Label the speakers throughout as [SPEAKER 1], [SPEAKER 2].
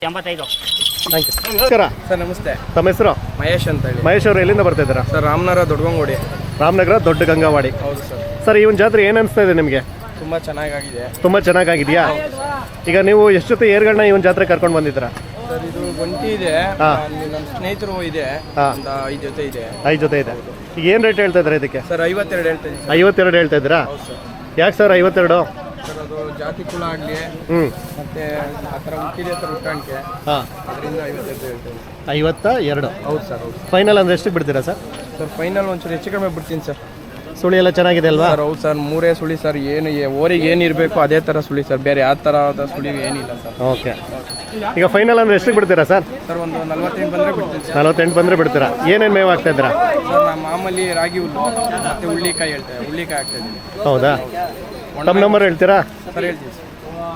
[SPEAKER 1] 85.
[SPEAKER 2] Thank you. ನಮಸ್ಕಾರ
[SPEAKER 3] sir. ನಮಸ್ತೆ.
[SPEAKER 2] ತಮ್ಮ ಹೆಸರು?
[SPEAKER 3] ಮಹೇಶ್ ಅಂತ ಹೇಳಿ.
[SPEAKER 2] ಮಹೇಶ್ ಅವರು ಎಲ್ಲಿಂದ ಬರ್ತಾ ಇದ್ದೀರಾ?
[SPEAKER 3] ಸರ್ ರಾಮನಗರ ದೊಡ್ಡಗಂಗೋಡಿ.
[SPEAKER 2] ರಾಮನಗರ ದೊಡ್ಡ ಗಂಗಾವಾಡಿ.
[SPEAKER 3] ಹೌದು ಸರ್.
[SPEAKER 2] ಸರ್ ಈ ಒಂದು ಜಾತ್ರೆ ಏನು ಅನಿಸ್ತಾ ಇದೆ ನಿಮಗೆ?
[SPEAKER 3] ತುಂಬ ಚೆನ್ನಾಗಾಗಿದೆ.
[SPEAKER 2] ತುಂಬ ಚೆನ್ನಾಗಿದೆಯಾ? ಈಗ ನೀವು ಎಷ್ಟು ಜೊತೆ ಏರ್ಗಳನ್ನ ಈ ಒಂದು ಜಾತ್ರೆ ಕರ್ಕೊಂಡು ಬಂದಿದ್ದೀರಾ?
[SPEAKER 3] ಸರ್ ಇದು ಒಂಟಿ ಇದೆ, ನಮ್ಮ ಸ್ನೇಹಿತರು ಇದೆ, ಒಂದು 5 ಜೊತೆ ಇದೆ.
[SPEAKER 2] 5 ಜೊತೆ ಇದೆ. ಈಗ ಏನು ರೇಟ್ ಹೇಳ್ತಾ ಇದ್ದಾರೆ ಇದಕ್ಕೆ?
[SPEAKER 3] ಸರ್ 52 ಹೇಳ್ತಾ ಇದ್ದೀನಿ.
[SPEAKER 2] 52 ಹೇಳ್ತಾ ಇದ್ದೀರಾ?
[SPEAKER 3] ಹೌದು ಸರ್.
[SPEAKER 2] ಯಾಕೆ ಸರ್ 52?
[SPEAKER 3] ಸರ್ ಅದು ಜಾತಿ ಕುಲ ಆಗಲಿ ಮತ್ತೆ ಆ ಥರ ಹುಟ್ಟಿದೆ ಥರ ಹುಟ್ಟಾಣಿಕೆ,
[SPEAKER 2] ಹಾಂ,
[SPEAKER 3] ಅದರಿಂದ 52 ಹೇಳ್ತೀನಿ.
[SPEAKER 2] 52.
[SPEAKER 3] ಹೌದು ಸರ್. ಹೌದು
[SPEAKER 2] ಫೈನಲ್ ಅಂದರೆ ಎಷ್ಟಕ್ಕೆ ಬಿಡ್ತೀರಾ ಸರ್?
[SPEAKER 3] ಸರ್ ಫೈನಲ್ ಒಂಚೂರು ಹೆಚ್ಚು ಕಡಿಮೆ ಬಿಡ್ತೀನಿ ಸರ್.
[SPEAKER 2] ಸುಳಿ ಎಲ್ಲ ಚೆನ್ನಾಗಿದೆ ಅಲ್ವಾ?
[SPEAKER 3] ಸರ್ ಹೌದು ಸರ್, 3 ಸುಳಿ ಸರ್. ಓರಿಗೆ ಏನು ಇರಬೇಕು ಅದೇ ಥರ ಸುಳಿ ಸರ್, ಬೇರೆ ಯಾವ ಥರದ ಸುಳಿ ಏನಿಲ್ಲ ಸರ್.
[SPEAKER 2] ಓಕೆ. ಈಗ ಫೈನಲ್ ಅಂದರೆ ಎಷ್ಟಕ್ಕೆ ಬಿಡ್ತೀರಾ ಸರ್?
[SPEAKER 3] ಸರ್ ಒಂದು 48 ಬಂದರೆ ಬಿಡ್ತೀನಿ ಸರ್.
[SPEAKER 2] 48 ಬಂದರೆ ಬಿಡ್ತೀರಾ? ಏನೇನು ಮೇವು ಆಗ್ತಾ ಇದ್ದೀರಾ?
[SPEAKER 3] ಸರ್ ನಾನು ಮಾಮೂಲಿ ರಾಗಿ ಹುಲ್ಲು ಮತ್ತು ಹುಳ್ಳಿಕಾಯಿ ಹೇಳ್ತೇವೆ, ಹುಳ್ಳಿಕಾಯಿ ಆಗ್ತಾ ಇದ್ದೀನಿ.
[SPEAKER 2] ಹೌದಾ? ತಮ್ಮ ನಂಬರ್ ಹೇಳ್ತೀರಾ?
[SPEAKER 3] ಸರ್ ಹೇಳ್ತೀವಿ ಸರ್.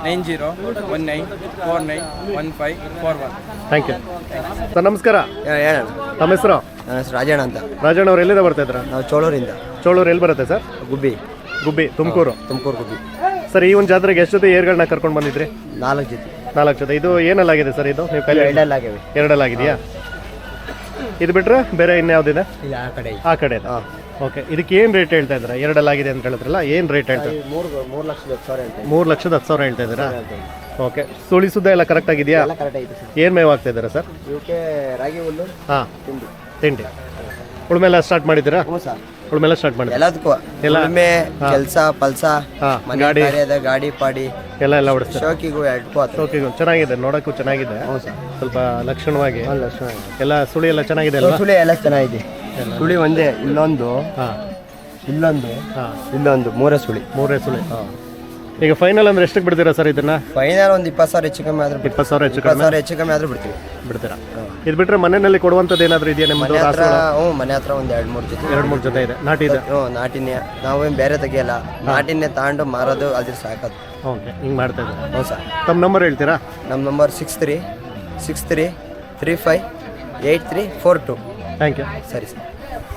[SPEAKER 3] 9019491541.
[SPEAKER 2] Thank you sir. ನಮಸ್ಕಾರ.
[SPEAKER 4] ಹೇಳೋಣ.
[SPEAKER 2] ತಮ್ಮ ಹೆಸರು?
[SPEAKER 4] ನನ್ನ ಹೆಸರು ರಾಜಣ್ಣ ಅಂತ.
[SPEAKER 2] ರಾಜಣ್ಣ ಅವ್ರು ಎಲ್ಲಿಂದ ಬರ್ತಾ ಇದ್ರ?
[SPEAKER 4] ನಾವು ಚೋಳೂರಿಂದ.
[SPEAKER 2] ಚೋಳೂರು ಎಲ್ಲಿ ಬರುತ್ತೆ ಸರ್?
[SPEAKER 4] ಗುಬ್ಬಿ.
[SPEAKER 2] ಗುಬ್ಬಿ, ತುಮಕೂರು.
[SPEAKER 4] ತುಮಕೂರು ಗುಬ್ಬಿ.
[SPEAKER 2] ಸರ್ ಈ ಒಂದು ಜಾತ್ರೆಗೆ ಎಷ್ಟು ಜೊತೆ ಏರ್ಗಳನ್ನ ಕರ್ಕೊಂಡು ಬಂದಿದ್ರಿ?
[SPEAKER 4] 4 ಜೊತೆ.
[SPEAKER 2] 4 ಜೊತೆ. ಇದು ಏನಲ್ಲಾಗಿದೆ ಸರ್? ಇದು ನೀವು ಕೈಲಿ
[SPEAKER 4] ಎರಡಲ್ಲಾಗಿವೆ.
[SPEAKER 2] ಎರಡಲ್ಲಾಗಿದೆಯಾ? ಇದು ಬಿಟ್ರೆ ಬೇರೆ ಇನ್ಯಾವುದಿದೆ?
[SPEAKER 4] ಇಲ್ಲ ಆ ಕಡೆ.
[SPEAKER 2] ಆ ಕಡೆ. ಓಕೆ. ಇದಕ್ಕೆ ಏನು ರೇಟ್ ಹೇಳ್ತಾ ಇದ್ದೀರಾ? ಎರಡಲ್ಲಾಗಿದೆ ಅಂತ ಹೇಳಿದ್ರಲ್ಲ, ಏನು ರೇಟ್ ಹೇಳ್ತಾ?
[SPEAKER 4] 3,10,000 ಹೇಳ್ತೀನಿ.
[SPEAKER 2] 3,10,000 ಹೇಳ್ತಾ ಇದ್ದೀರಾ? ಓಕೆ. ಸುಳಿ ಸುದ್ದ ಎಲ್ಲ ಕರೆಕ್ಟ್ ಆಗಿದೆಯಾ?
[SPEAKER 4] ಎಲ್ಲ ಕರೆಕ್ಟ್ ಐತೆ ಸರ್.
[SPEAKER 2] ಏನು ಮೇವು ಆಗ್ತಾ ಇದ್ದೀರಾ ಸರ್?
[SPEAKER 4] ಇವಕ್ಕೆ ರಾಗಿ ಹುಲ್ಲು,
[SPEAKER 2] ಹಾಂ,
[SPEAKER 4] ತಿಂಡಿ.
[SPEAKER 2] ತಿಂಡಿ. ಉಳುಮೆಲ್ಲ ಸ್ಟಾರ್ಟ್ ಮಾಡಿದ್ದೀರಾ?
[SPEAKER 4] ಹ್ಞೂ ಸರ್.
[SPEAKER 2] ಉಳುಮೆಲ್ಲ ಸ್ಟಾರ್ಟ್ ಮಾಡಿದ್ದೀರಾ?
[SPEAKER 4] ಎಲ್ಲದಕ್ಕೂ ಉಳುಮೆ, ಕೆಲಸ, ಪಲ್ಸ,
[SPEAKER 2] ಗಾಡಿ,
[SPEAKER 4] ಗಾಡಿ ಪಾಡಿ
[SPEAKER 2] ಎಲ್ಲ ಹೊಡಿಸ್ತಾರೆ.
[SPEAKER 4] ಶೋಕಿಗೂ 2
[SPEAKER 2] ಶೋಕಿಗೂ ಚೆನ್ನಾಗಿದೆ, ನೋಡೋಕ್ಕೂ ಚೆನ್ನಾಗಿದೆ.
[SPEAKER 4] ಹ್ಞೂ ಸರ್.
[SPEAKER 2] ಸ್ವಲ್ಪ ಲಕ್ಷಣವಾಗಿ
[SPEAKER 4] ಲಕ್ಷಣ
[SPEAKER 2] ಎಲ್ಲ ಸುಳಿ ಎಲ್ಲ ಚೆನ್ನಾಗಿದೆ ಅಲ್ವಾ?
[SPEAKER 4] ಸುಳಿ ಎಲ್ಲ ಚೆನ್ನಾಗಿದೆ. ಸುಳಿ ಒಂದೇ, ಇಲ್ಲೊಂದು,
[SPEAKER 2] ಹಾಂ,
[SPEAKER 4] ಇಲ್ಲೊಂದು,
[SPEAKER 2] ಹಾಂ,
[SPEAKER 4] ಇಲ್ಲೊಂದು, 3 ಸುಳಿ.
[SPEAKER 2] 3 ಸುಳಿ. ಈಗ ಫೈನಲ್ ಅಂದ್ರೆ ಎಷ್ಟಕ್ಕೆ ಬಿಡ್ತೀರಾ ಸರ್ ಇದನ್ನ?
[SPEAKER 4] ಫೈನಲ್ ಒಂದು 20,000 ಹೆಚ್ಚು ಕಮ್ಮಿ ಆದ್ರೂ
[SPEAKER 2] 20,000 ಹೆಚ್ಚು ಕಮ್ಮಿ.
[SPEAKER 4] 20,000 ಹೆಚ್ಚು ಕಮ್ಮಿ ಆದ್ರೂ ಬಿಡ್ತೀವಿ.
[SPEAKER 2] ಬಿಡ್ತೀರಾ? ಇದು ಬಿಟ್ರೆ ಮನೆಯಲ್ಲಿ ಕೊಡುವಂಥದ್ದು ಏನಾದರೂ ಇದೆಯಾ ನಿಮ್ಮದು?
[SPEAKER 4] ಮನೆ ಹತ್ರ ಒಂದು 2-3 ಜೊತೆ.
[SPEAKER 2] 2-3 ಜೊತೆ ಇದೆ. ನಾಟಿ ಇದೆ?
[SPEAKER 4] ಹ್ಞೂ, ನಾಟಿನೇ. ನಾವೇನು ಬೇರೆ ತೆಗಿಯಲ್ಲ, ನಾಟಿನೇ ತಗೊಂಡು ಮಾರೋದು, ಅದ್ರ ಸಾಕೋದು.
[SPEAKER 2] ಓಕೆ, ಹಿಂಗೆ ಮಾಡ್ತಾ ಇದ್ದೀರಾ?
[SPEAKER 4] ಹ್ಞೂ ಸರ್.
[SPEAKER 2] ತಮ್ಮ ನಂಬರ್ ಹೇಳ್ತೀರಾ?
[SPEAKER 4] ನಮ್ಮ ನಂಬರ್ 63358342.
[SPEAKER 2] Thank you.
[SPEAKER 4] ಸರಿ ಸರ್.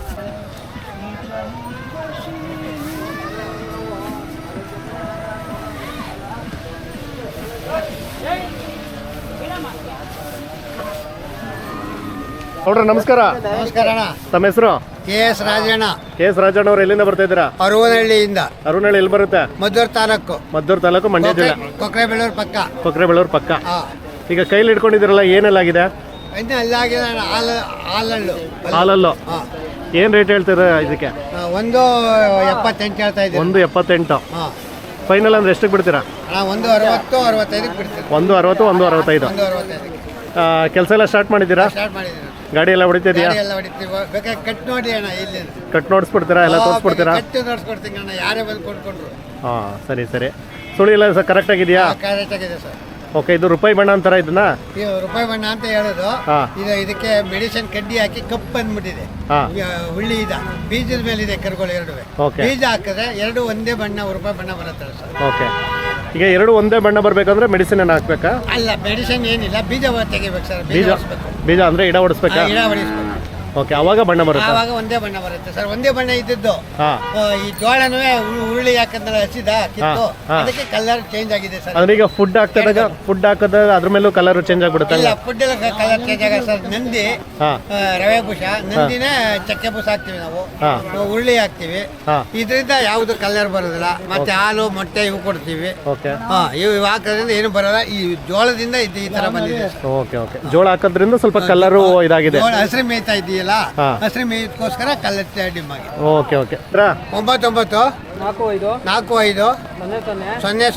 [SPEAKER 2] ನೋಡ್ರಿ, ನಮಸ್ಕಾರ.
[SPEAKER 5] ನಮಸ್ಕಾರ ಅಣ್ಣ.
[SPEAKER 2] ತಮ್ಮ ಹೆಸರು?
[SPEAKER 5] KS ರಾಜಣ್ಣ.
[SPEAKER 2] KS ರಾಜಣ್ಣ ಅವ್ರು ಎಲ್ಲಿಂದ ಬರ್ತಾ ಇದ್ದೀರಾ?
[SPEAKER 5] ಅರುವನಹಳ್ಳಿಯಿಂದ.
[SPEAKER 2] ಅರುಣಹಳ್ಳಿ ಎಲ್ಲಿ ಬರುತ್ತೆ?
[SPEAKER 5] ಮದ್ದೂರು ತಾಲೂಕು.
[SPEAKER 2] ಮದ್ದೂರು ತಾಲೂಕು, ಮಂಡ್ಯ ಜಿಲ್ಲೆ.
[SPEAKER 5] ಕೊಕ್ರೆಬೆಳ್ಳೂರು ಪಕ್ಕ.
[SPEAKER 2] ಕೊಕ್ರೆಬೆಳ್ಳೂರು ಪಕ್ಕ.
[SPEAKER 5] ಹಾ.
[SPEAKER 2] ಈಗ ಕೈಲಿ ಇಟ್ಕೊಂಡಿದ್ದೀರಲ್ಲ, ಏನೆಲ್ಲಾಗಿದೆ?
[SPEAKER 5] ಇನ್ನು ಅಲ್ಲಾಗಿದೆ ಅಣ್ಣ, ಹಾಲಲ್ಲು.
[SPEAKER 2] ಹಾಲಲ್ಲು.
[SPEAKER 5] ಹಾಂ.
[SPEAKER 2] ಏನು ರೇಟ್ ಹೇಳ್ತೀರಾ ಇದಕ್ಕೆ?
[SPEAKER 5] 1.78 ಹೇಳ್ತಾ ಇದ್ದೀವಿ.
[SPEAKER 2] 1.78.
[SPEAKER 5] ಹಾಂ.
[SPEAKER 2] ಫೈನಲ್ ಅಂದ್ರೆ ಎಷ್ಟಕ್ಕೆ ಬಿಡ್ತೀರಾ?
[SPEAKER 5] ಅಣ್ಣ 1.60-65 ಬಿಡ್ತೀವಿ.
[SPEAKER 2] 1.60, 1.65.
[SPEAKER 5] 1.65
[SPEAKER 2] ಕೆಲಸ ಎಲ್ಲ ಸ್ಟಾರ್ಟ್ ಮಾಡಿದ್ದೀರಾ?
[SPEAKER 5] ಸ್ಟಾರ್ಟ್ ಮಾಡಿದ್ದೀವಿ.
[SPEAKER 2] ಗಾಡಿ ಎಲ್ಲ ಹೊಡಿತಿದ್ಯಾ?
[SPEAKER 5] ಎಲ್ಲ ಹೊಡಿತೀವಿ. ಬೇಕಾದ್ರೆ ಕಟ್ ನೋಡಿ ಅಣ್ಣ, ಇಲ್ಲಿ
[SPEAKER 2] ಕಟ್ ನೋಡಿಸ್ಬಿಡ್ತೀರಾ? ಎಲ್ಲ ತೋರಿಸ್ಬಿಡ್ತೀರಾ?
[SPEAKER 5] ಕಟ್ಟು ನೋಡ್ಸ್ಕೊಡ್ತೀನಿ ಅಣ್ಣ, ಯಾರೇ ಬಂದು ಕೊಂಡ್ಕೊಂಡ್ರು.
[SPEAKER 2] ಹಾಂ, ಸರಿ ಸರಿ. ಸುಳಿ ಎಲ್ಲ ಸರ್ ಕರೆಕ್ಟ್ ಆಗಿದೆಯಾ?
[SPEAKER 5] ಕರೆಕ್ಟ್ ಆಗಿದೆ ಸರ್.
[SPEAKER 2] ಓಕೆ. ಇದು ರೂಪಾಯಿ ಬಣ್ಣ ಅಂತಾರ ಇದನ್ನ?
[SPEAKER 5] ಇದು ರೂಪಾಯಿ ಬಣ್ಣ ಅಂತ ಹೇಳೋದು. ಇದಕ್ಕೆ ಮೆಡಿಸಿನ್ ಕಡ್ಡಿ ಹಾಕಿ ಕಪ್ಪು ಬಂದ್ಬಿಟ್ಟಿದೆ. ಹುಳ್ಳಿ ಬೀಜದ ಮೇಲೆ ಇದೆ ಕರುಗಳು 2. ಬೀಜ ಹಾಕಿದ್ರೆ 2 ಒಂದೇ ಬಣ್ಣ, ರೂಪಾಯಿ ಬಣ್ಣ ಬರುತ್ತೆ ಸರ್.
[SPEAKER 2] ಓಕೆ. ಈಗ 2 ಒಂದೇ ಬಣ್ಣ ಬರಬೇಕಂದ್ರೆ ಮೆಡಿಸಿನ್ ಏನು ಹಾಕ್ಬೇಕಾ?
[SPEAKER 5] ಅಲ್ಲ, ಮೆಡಿಸಿನ್ ಏನಿಲ್ಲ, ಬೀಜ ತೆಗಿಬೇಕು ಸರ್.
[SPEAKER 2] ಬೀಜ ಅಂದ್ರೆ ಇಡ ಹೊಡಿಸ್ಬೇಕಾ?
[SPEAKER 5] ಗಿಡ ಹೊಡಿಸ್ಬೇಕು.
[SPEAKER 2] ಓಕೆ, ಅವಾಗ ಬಣ್ಣ ಬರುತ್ತೆ.
[SPEAKER 5] ಆವಾಗ ಒಂದೇ ಬಣ್ಣ ಬರುತ್ತೆ ಸರ್. ಒಂದೇ ಬಣ್ಣ ಇದ್ದದ್ದು. ಈ ಜೋಳನೂ ಉರುಳಿ ಹಾಕಂದ್ರೆ ಹಸಿದ ಕಿತ್ತು, ಅದಕ್ಕೆ ಕಲರ್ ಚೇಂಜ್ ಆಗಿದೆ ಸರ್.
[SPEAKER 2] ಅಂದ್ರೆ ಈಗ ಫುಡ್ ಹಾಕದ ಅದ್ರ ಮೇಲೂ ಕಲರ್ ಚೇಂಜ್ ಆಗ್ಬಿಡುತ್ತೆ?
[SPEAKER 5] ಇಲ್ಲ, ಫುಡ್ ಎಲ್ಲ ಕಲರ್ ಚೇಂಜ್ ಆಗ ಸರ್. ನಂದಿ ರವೆ ಬೂಸ, ನಂದಿನೇ ಚಕ್ಕೆ ಬೂಸ ಹಾಕ್ತಿವಿ ನಾವು, ಉರುಳಿ ಹಾಕ್ತಿವಿ. ಇದರಿಂದ ಯಾವ್ದು ಕಲರ್ ಬರೋದಿಲ್ಲ. ಮತ್ತೆ ಹಾಲು, ಮೊಟ್ಟೆ ಇವು ಕೊಡ್ತೀವಿ. ಇವು ಹಾಕೋದ್ರಿಂದ ಏನು ಬರೋಲ್ಲ. ಈ ಜೋಳದಿಂದ ಈ ತರ ಬಂದಿದೆ.
[SPEAKER 2] Okay okay. ಜೋಳ ಹಾಕೋದ್ರಿಂದ ಸ್ವಲ್ಪ ಕಲರ್ ಇದಾಗಿದೆ.
[SPEAKER 5] ಹಸಿರು ಮೇಯ್ತಾ ಇದೆಯಲ್ಲ, ಹಸಿರು ಮೇಯ್ಕೋಸ್ಕರ ಕಲರ್ ಡಿಮ್ ಆಗಿದೆ.
[SPEAKER 2] Okay okay.
[SPEAKER 5] 99 45 00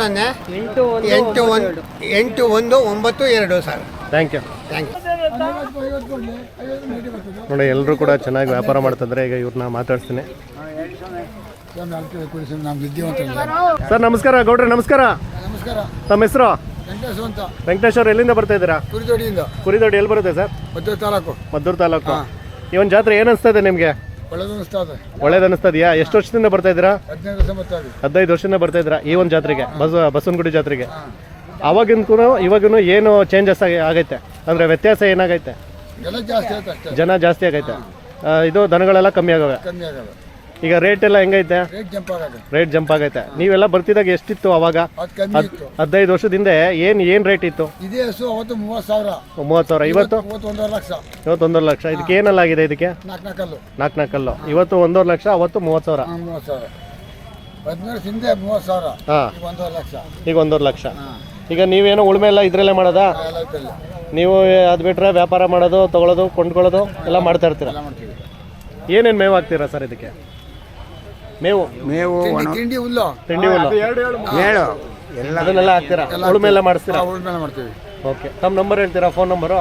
[SPEAKER 5] 8192 sir.
[SPEAKER 2] Thank you. ನೋಡಿ, ಎಲ್ಲರೂ ಕೂಡ ಚೆನ್ನಾಗಿ ವ್ಯಾಪಾರ ಮಾಡ್ತಿದ್ರೆ. ಈಗ ಇವ್ರನ್ನ ಮಾತಾಡ್ತೀನಿ. ಸರ್ ನಮಸ್ಕಾರ. ಗೌಡ್ರೆ ನಮಸ್ಕಾರ.
[SPEAKER 5] ನಮಸ್ಕಾರ.
[SPEAKER 2] ತಮ್ಮ ಹೆಸರು? ವೆಂಕಟೇಶ್ ಅವ್ರು ಎಲ್ಲಿಂದ ಬರ್ತಾ ಇದ್ದೀರಾ?
[SPEAKER 5] ಕುರಿದೊಡ್ಡಿಯಿಂದ.
[SPEAKER 2] ಕುರಿದೊಡ್ಡಿ ಎಲ್ಲಿ ಬರುತ್ತೆ ಸರ್? ಮದ್ದೂರು ತಾಲೂಕು. ಈ ಒಂದು ಜಾತ್ರೆ ಏನು ಅನಿಸ್ತಾ ಇದೆ ನಿಮಗೆ? ಒಳ್ಳೇದು ಅನಿಸ್ತದೆಯಾ? ಎಷ್ಟು ವರ್ಷದಿಂದ ಬರ್ತಾ ಇದ್ದೀರಾ? 15 ವರ್ಷದಿಂದ ಬರ್ತಾ ಇದ್ದೀರಾ ಈ ಒಂದು ಜಾತ್ರೆಗೆ, ಬಸವನಗುಡಿ ಜಾತ್ರೆಗೆ. ಅವಾಗಿನಕೂ ಇವಾಗೂ ಏನು ಚೇಂಜಸ್ ಆಗೈತೆ ಅಂದರೆ ವ್ಯತ್ಯಾಸ ಏನಾಗೈತೆ? ಜನ ಜಾಸ್ತಿ ಆಗೈತೆ. ಇದು ದನಗಳೆಲ್ಲ ಕಮ್ಮಿ ಆಗವೆ. ಈಗ ರೇಟ್ ಎಲ್ಲ ಹೆಂಗೈತೆ? ರೇಟ್ ಜಂಪ್ ಆಗೈತೆ. ನೀವೆಲ್ಲ ಬರ್ತಿದಾಗ ಎಷ್ಟಿತ್ತು ಅವಾಗ? 15 ವರ್ಷದಿಂದ ಏನ್ ರೇಟ್ ಇತ್ತು?
[SPEAKER 5] ಇದೇ ಹಸು ಅವತ್ತು 30,000.
[SPEAKER 2] 30,000. ಇವತ್ತು
[SPEAKER 5] 1,5 ಲಕ್ಷ.
[SPEAKER 2] ಇವತ್ತು 1.5 ಲಕ್ಷ. ಇದಕ್ಕೆ ಏನೆಲ್ಲ ಆಗಿದೆ? ಇದಕ್ಕೆ 4 ಕಲ್ಲು. ಇವತ್ತು 1.5 ಲಕ್ಷ, ಅವತ್ತು 30,000.
[SPEAKER 5] 30,000. 15 ಹಿಂದೆ 30,000.
[SPEAKER 2] ಹಾಂ,
[SPEAKER 5] 1,5 ಲಕ್ಷ.
[SPEAKER 2] ಈಗ 1.5 ಲಕ್ಷ. ಈಗ ನೀವೇನೋ ಉಳುಮೆ ಎಲ್ಲ ಇದ್ರಲ್ಲೇ ಮಾಡೋದಾ? ನೀವು ಅದು ಬಿಟ್ರೆ ವ್ಯಾಪಾರ ಮಾಡೋದು, ತಗೊಳ್ಳೋದು, ಕೊಂಡ್ಕೊಳ್ಳೋದು ಎಲ್ಲ ಮಾಡ್ತಾ ಇರ್ತೀರಾ? ಏನೇನು ಮೇವು ಹಾಕ್ತೀರಾ ಸರ್ ಇದಕ್ಕೆ? ಮೇವು
[SPEAKER 5] ತಿಂಡಿ ಹುಲ್ಲು,
[SPEAKER 2] ತಿಂಡಿ ಹುಲ್ಲು,
[SPEAKER 5] ಮೇಳು
[SPEAKER 2] ಅದನ್ನೆಲ್ಲ ಹಾಕ್ತೀರಾ? ಉಳುಮೆ ಎಲ್ಲ ಮಾಡಿಸ್ತೀರಾ?
[SPEAKER 5] ಉಳ್ಮೇಲೆ ಮಾಡ್ತೀವಿ.
[SPEAKER 2] ಓಕೆ. ತಮ್ಮ ನಂಬರ್ ಹೇಳ್ತೀರಾ? Phone number?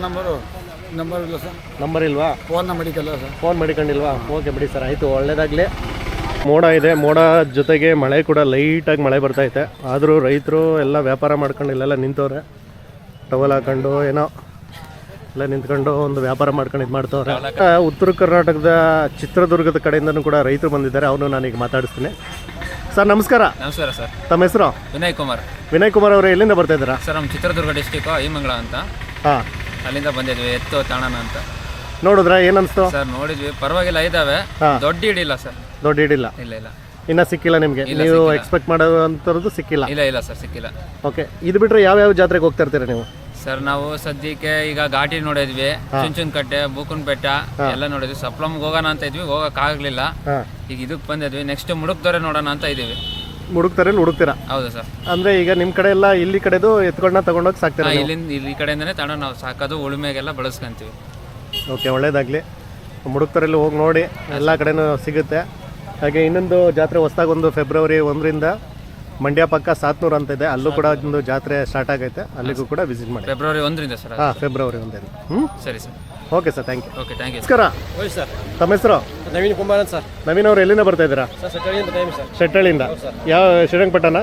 [SPEAKER 5] ನಂಬರ್ ಇಲ್ಲ ಸರ್.
[SPEAKER 2] ನಂಬರ್ ಇಲ್ವಾ?
[SPEAKER 5] ಫೋನ್ ಮಾಡಿಕಲ್ಲ ಸರ್.
[SPEAKER 2] ಫೋನ್ ಮಾಡಿಕೊಂಡಿಲ್ವಾ? ಓಕೆ ಬಿಡಿ ಸರ್, ಆಯಿತು, ಒಳ್ಳೇದಾಗಲಿ. ಮೋಡ ಇದೆ, ಮೋಡ ಜೊತೆಗೆ ಮಳೆ ಕೂಡ ಲೈಟಾಗಿ ಮಳೆ ಬರ್ತೈತೆ. ಆದರೂ ರೈತರು ಎಲ್ಲ ವ್ಯಾಪಾರ ಮಾಡ್ಕೊಂಡು ಇಲ್ಲೆಲ್ಲ ನಿಂತವ್ರೆ, ಟವಲ್ ಹಾಕೊಂಡು ಏನೋ ಎಲ್ಲ ನಿಂತ್ಕೊಂಡು ಒಂದು ವ್ಯಾಪಾರ ಮಾಡ್ಕೊಂಡು ಇದು ಮಾಡ್ತವ್ರೆ. ಉತ್ತರ ಕರ್ನಾಟಕದ ಚಿತ್ರದುರ್ಗದ ಕಡೆಯಿಂದನೂ ಕೂಡ ರೈತರು ಬಂದಿದ್ದಾರೆ, ಅವನು ನಾನೀಗ ಮಾತಾಡಿಸ್ತೀನಿ. ಸರ್ ನಮಸ್ಕಾರ.
[SPEAKER 1] ನಮಸ್ಕಾರ ಸರ್.
[SPEAKER 2] ತಮ್ಮ ಹೆಸರು?
[SPEAKER 1] ವಿನಯ್ ಕುಮಾರ್.
[SPEAKER 2] ವಿನಯ್ ಕುಮಾರ್ ಅವರು ಎಲ್ಲಿಂದ ಬರ್ತಾ ಇದ್ದೀರಾ?
[SPEAKER 1] ಸರ್ ನಮ್ಮ ಚಿತ್ರದುರ್ಗ ಡಿಸ್ಟಿಕ್ ಐಮಂಗಳ ಅಂತ.
[SPEAKER 2] ಹಾಂ,
[SPEAKER 1] ಅಲ್ಲಿಂದ ಬಂದಿದ್ವಿ, ಎತ್ತು ತಾಣನ ಅಂತ.
[SPEAKER 2] ನೋಡಿದ್ರಾ? ಏನನ್ಸ್ತು
[SPEAKER 1] ಸರ್ ನೋಡಿದ್ವಿ, ಪರವಾಗಿಲ್ಲ ಇದಾವೆ. ದೊಡ್ಡ ಹಿಡಿಲ್ಲ ಸರ್.
[SPEAKER 2] ದೊಡ್ಡ ಹಿಡಿಲ್ಲ?
[SPEAKER 1] ಇಲ್ಲ ಇಲ್ಲ,
[SPEAKER 2] ಇನ್ನೂ ಸಿಕ್ಕಿಲ್ಲ ನಿಮಗೆ? ನೀವು ಎಕ್ಸ್ಪೆಕ್ಟ್ ಮಾಡೋಂಥದ್ದು ಸಿಕ್ಕಿಲ್ಲ?
[SPEAKER 1] ಇಲ್ಲ ಸರ್, ಸಿಕ್ಕಿಲ್ಲ.
[SPEAKER 2] ಓಕೆ. ಇದು ಬಿಟ್ಟರೆ ಯಾವ್ಯಾವ ಜಾತ್ರೆಗೆ ಹೋಗ್ತಾ ಇರ್ತೀರಾ ನೀವು?
[SPEAKER 1] ಸರ್ ನಾವು ಸದ್ಯಕ್ಕೆ ಈಗ ಘಾಟಿ ನೋಡಿದ್ವಿ, ಚುಂಚನಕಟ್ಟೆ, ಬೂಕುನ್ ಬೆಟ್ಟ ಎಲ್ಲ ನೋಡಿದ್ವಿ. ಸಪ್ಲಮ್ಗೆ ಹೋಗೋಣ ಅಂತ ಇದ್ವಿ, ಹೋಗೋಕ್ಕಾಗಲಿಲ್ಲ. ಈಗ ಇದಕ್ಕೆ ಬಂದಿದ್ವಿ. ನೆಕ್ಸ್ಟ್ ಮುಡುಕ್ದೊರೆ ನೋಡೋಣ ಅಂತ ಇದೀವಿ.
[SPEAKER 2] ಮುಡುಕ್ತಾರೆ ಹುಡುಕ್ತೀರಾ?
[SPEAKER 1] ಹೌದು ಸರ್.
[SPEAKER 2] ಅಂದರೆ ಈಗ ನಿಮ್ಮ ಕಡೆ ಎಲ್ಲ ಇಲ್ಲಿ ಕಡೆದು ಎತ್ಕೊಂಡ ತಗೊಂಡೋಗಿ ಸಾಕ್ತೀರಾ?
[SPEAKER 1] ಇಲ್ಲಿ ಕಡೆಯಿಂದನೇ ತಗೊಂಡು ನಾವು ಸಾಕೋದು, ಉಳುಮೆಗೆಲ್ಲ ಬಳಸ್ಕೊಂತೀವಿ.
[SPEAKER 2] ಓಕೆ, ಒಳ್ಳೇದಾಗಲಿ. ಮುಡುಕ್ತಾರಲ್ಲಿ ಹೋಗಿ ನೋಡಿ, ಎಲ್ಲ ಕಡೆನೂ ಸಿಗುತ್ತೆ. ಹಾಗೆ ಇನ್ನೊಂದು ಜಾತ್ರೆ ಹೊಸ್ದಾಗಿ ಒಂದು ಫೆಬ್ರವರಿ 1ರಿಂದ ಮಂಡ್ಯ ಪಕ್ಕ ಸಾತ್ನೂರು ಅಂತ ಇದೆ, ಅಲ್ಲೂ ಕೂಡ ಒಂದು ಜಾತ್ರೆ ಸ್ಟಾರ್ಟ್ ಆಗೈತೆ, ಅಲ್ಲಿಗೂ ಕೂಡ ವಿಸಿಟ್ ಮಾಡಿ.
[SPEAKER 1] ಫೆಬ್ರವರಿ 1ರಿಂದ ಸರ್?
[SPEAKER 2] ಹಾಂ, ಫೆಬ್ರವರಿ 1ರಿಂದ.
[SPEAKER 1] ಸರಿ sir.
[SPEAKER 2] Okay sir, thank you.
[SPEAKER 1] Okay, thank you.
[SPEAKER 2] ನಮಸ್ಕಾರ
[SPEAKER 3] ಸರ್.
[SPEAKER 2] ತಮ್ಮ ಹೆಸರು?
[SPEAKER 3] ನವೀನ್ ಕುಮಾರ್ ಅಂತ ಸರ್.
[SPEAKER 2] ನವೀನ್ ಅವರು ಎಲ್ಲಿಂದ ಬರ್ತಾ ಇದ್ದೀರಾ? ಶೆಟ್ಟಳ್ಳಿಯಿಂದ. ಯಾವ ಶ್ರೀರಂಗಪಟ್ಟಣ?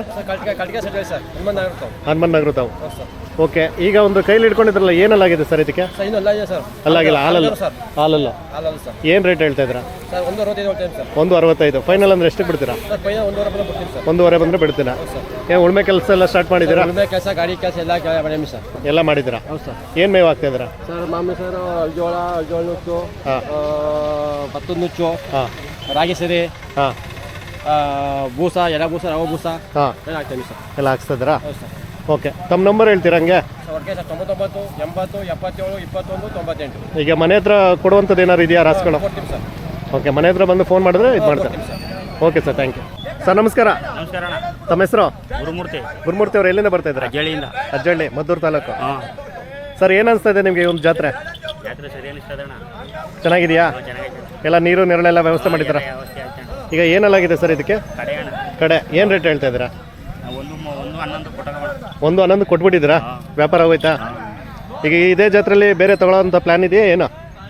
[SPEAKER 2] ಹನುಮನ್ ನಗರ ತಾವು. ಓಕೆ. ಈಗ ಒಂದು ಕೈಲಿ ಹಿಡ್ಕೊಂಡಿದ್ರಲ್ಲ, ಏನಲ್ಲಾಗಿದೆ ಸರ್ ಇದಕ್ಕೆ? ಅಲ್ಲಾಗಿಲ್ಲ, ಹಾಲಲ್ಲ. ಏನು ರೇಟ್ ಹೇಳ್ತಾ ಇದ್ದೀರಾ? 1.65. ಫೈನಲ್ ಅಂದ್ರೆ ಎಷ್ಟಕ್ಕೆ ಬಿಡ್ತೀರಾ? 1.5 ಬಂದರೆ ಬಿಡ್ತೀರಾ? ಏನು ಉಳ್ಮೆ ಕೆಲಸ ಎಲ್ಲ ಸ್ಟಾರ್ಟ್ ಮಾಡಿದ್ದೀರಾ?
[SPEAKER 3] ಗಾಡಿ ಕೆಲಸ
[SPEAKER 2] ಎಲ್ಲ ಮಾಡಿದ್ದೀರಾ? ಏನು ಮೇವು ಹಾಕ್ತಾ ಇದ್ದೀರಾ?
[SPEAKER 3] ಸರ್ ಮಾಮೂಲಿ ಸರ್, ಜೋಳ ನುಚ್ಚು, ಭತ್ತದ ನುಚ್ಚು, ರಾಗಿ ಸರಿ, ಬೂಸ, ಎಲೆ ಬೂಸ, ರವೆ ಬೂಸ ಎಲ್ಲ ಹಾಕ್ತೀವಿ ಸರ್.
[SPEAKER 2] ಎಲ್ಲ ಹಾಕ್ಸ್ತಾ ಇದ್ದೀರಾ? ಓಕೆ. ತಮ್ಮ ನಂಬರ್ ಹೇಳ್ತೀರಾ ಹಂಗೆ?
[SPEAKER 3] ಸರ್ 99 80 77 21 98.
[SPEAKER 2] ಈಗ ಮನೆ ಹತ್ರ ಕೊಡುವಂಥದ್ದು ಏನಾದ್ರು ಇದೆಯಾ ರಾಸುಗಳು?
[SPEAKER 3] ಕೊಡ್ತೀವಿ ಸರ್.
[SPEAKER 2] ಓಕೆ, ಮನೆ ಹತ್ರ ಬಂದು ಫೋನ್ ಮಾಡಿದ್ರೆ ಇದು ಮಾಡ್ತಾರೆ. Okay sir, thank you. Sir ನಮಸ್ಕಾರ.
[SPEAKER 6] ನಮಸ್ಕಾರ ಅಣ್ಣ.
[SPEAKER 2] ತಮ್ಮ ಹೆಸರು? ಗುರುಮೂರ್ತಿ ಅವರು ಎಲ್ಲಿಂದ ಬರ್ತಾ ಇದ್ದಾರೆ? ಅಜ್ಜಳ್ಳಿ, ಮದ್ದೂರು ತಾಲೂಕು. ಸರ್ ಏನು ಅನಿಸ್ತಾ ಇದೆ ನಿಮಗೆ ಒಂದು ಜಾತ್ರೆ?
[SPEAKER 6] ಸರಿ ಅನಿಸ್ತದೆ ಅಣ್ಣ.
[SPEAKER 2] ಚೆನ್ನಾಗಿದೆಯಾ? ಎಲ್ಲ ನೀರು ನೆರಳೆಲ್ಲ ವ್ಯವಸ್ಥೆ ಮಾಡಿದ್ದೀರಾ? ಈಗ ಏನೆಲ್ಲಾಗಿದೆ ಸರ್ ಇದಕ್ಕೆ? ಕಡೆ ಏನು ರೇಟ್ ಹೇಳ್ತಾ ಇದ್ದೀರಾ? 1.11 ಕೊಟ್ಬಿಟ್ಟಿದ್ದೀರಾ? ವ್ಯಾಪಾರ ಹೋಯ್ತಾ? ಈಗ ಇದೇ ಜಾತ್ರೆಯಲ್ಲಿ ಬೇರೆ ತಗೊಳ್ಳೋಂಥ ಪ್ಲ್ಯಾನ್ ಇದೆಯಾ ಏನೋ?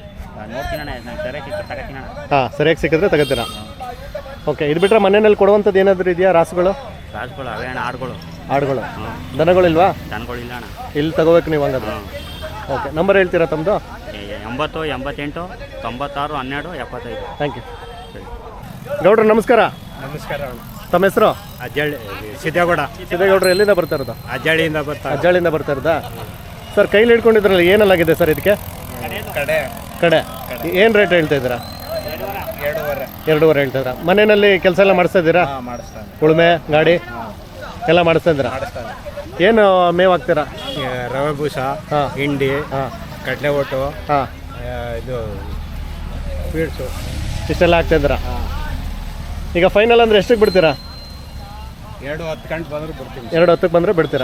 [SPEAKER 2] ಹಾಂ, ಸರಿಯಾಗಿ ಸಿಕ್ಕಿದ್ರೆ ತಗೋತೀರಾ? ಓಕೆ. ಇದು ಬಿಟ್ಟರೆ ಮನೆಯಲ್ಲಿ ಕೊಡುವಂಥದ್ದು ಏನಾದರೂ ಇದೆಯಾ ರಾಸುಗಳು? ಆಡುಗಳು. ದನಗಳಿಲ್ವಾ? ಇಲ್ಲಿ ತಗೋಬೇಕು ನೀವು ಹಂಗಾದ್ರೆ. ಓಕೆ. ನಂಬರ್ ಹೇಳ್ತೀರಾ ತಮ್ಮದು?
[SPEAKER 6] 80 88 96 12 75.
[SPEAKER 2] Thank you. ಗೌಡ್ರು ನಮಸ್ಕಾರ.
[SPEAKER 3] ನಮಸ್ಕಾರ.
[SPEAKER 2] ತಮ್ಮ ಹೆಸರು?
[SPEAKER 6] ಅಜ್ಜಳ್ಳಿ,
[SPEAKER 2] ಸಿದ್ದೇಗೌಡರು ಎಲ್ಲಿಂದ ಬರ್ತಾ ಇರೋದು? ಅಜ್ಜಳ್ಳಿಯಿಂದ ಬರ್ತಾ ಇರೋದಾ? ಸರ್ ಕೈಲಿ ಹಿಡ್ಕೊಂಡಿದ್ರಲ್ಲ, ಏನಲ್ಲಾಗಿದೆ ಸರ್ ಇದಕ್ಕೆ? ಕಡೆ. ಏನು ರೇಟ್ ಹೇಳ್ತಾ ಇದ್ದೀರಾ? 2.5 ಹೇಳ್ತಾ ಇದ್ದೀರಾ? ಮನೆಯಲ್ಲಿ ಕೆಲಸ ಎಲ್ಲ ಮಾಡಿಸ್ತಾ ಇದ್ದೀರಾ? ಉಳುಮೆ ಗಾಡಿ ಎಲ್ಲ ಮಾಡಿಸ್ತಾ ಇದ್ದೀರಾ? ಏನು ಮೇವು ಹಾಕ್ತೀರಾ?
[SPEAKER 3] ರವೆ ಬೂಸ, ಹಿಂಡಿ, ಕಡಲೆ ಒಟ್ಟು, ಇದು ಸ್ವೀಟ್ಸು
[SPEAKER 2] ಇಷ್ಟೆಲ್ಲ ಹಾಕ್ತಾ ಇದ್ದೀರಾ? ಈಗ ಫೈನಲ್ ಅಂದರೆ ಎಷ್ಟಕ್ಕೆ ಬಿಡ್ತೀರಾ?
[SPEAKER 3] 2:10 ಗಂಟೆ ಬಂದ್ರೆ ಬರ್ತೀವಿ.
[SPEAKER 2] 2:10 ಬಂದರೆ ಬಿಡ್ತೀರಾ?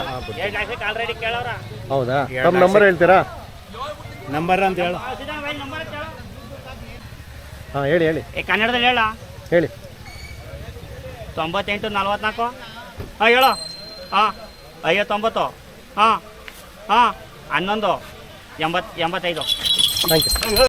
[SPEAKER 2] ಹೌದಾ? ತಮ್ಮ ನಂಬರ್ ಹೇಳ್ತೀರಾ?
[SPEAKER 6] ನಂಬರ್ ಅಂತ ಹೇಳು.
[SPEAKER 2] ಹಾಂ, ಹೇಳಿ.
[SPEAKER 6] ಕನ್ನಡದಲ್ಲಿ
[SPEAKER 2] ಹೇಳಿ.
[SPEAKER 6] 98 44. ಹೇಳು. 59. 11 85.
[SPEAKER 2] Thank you.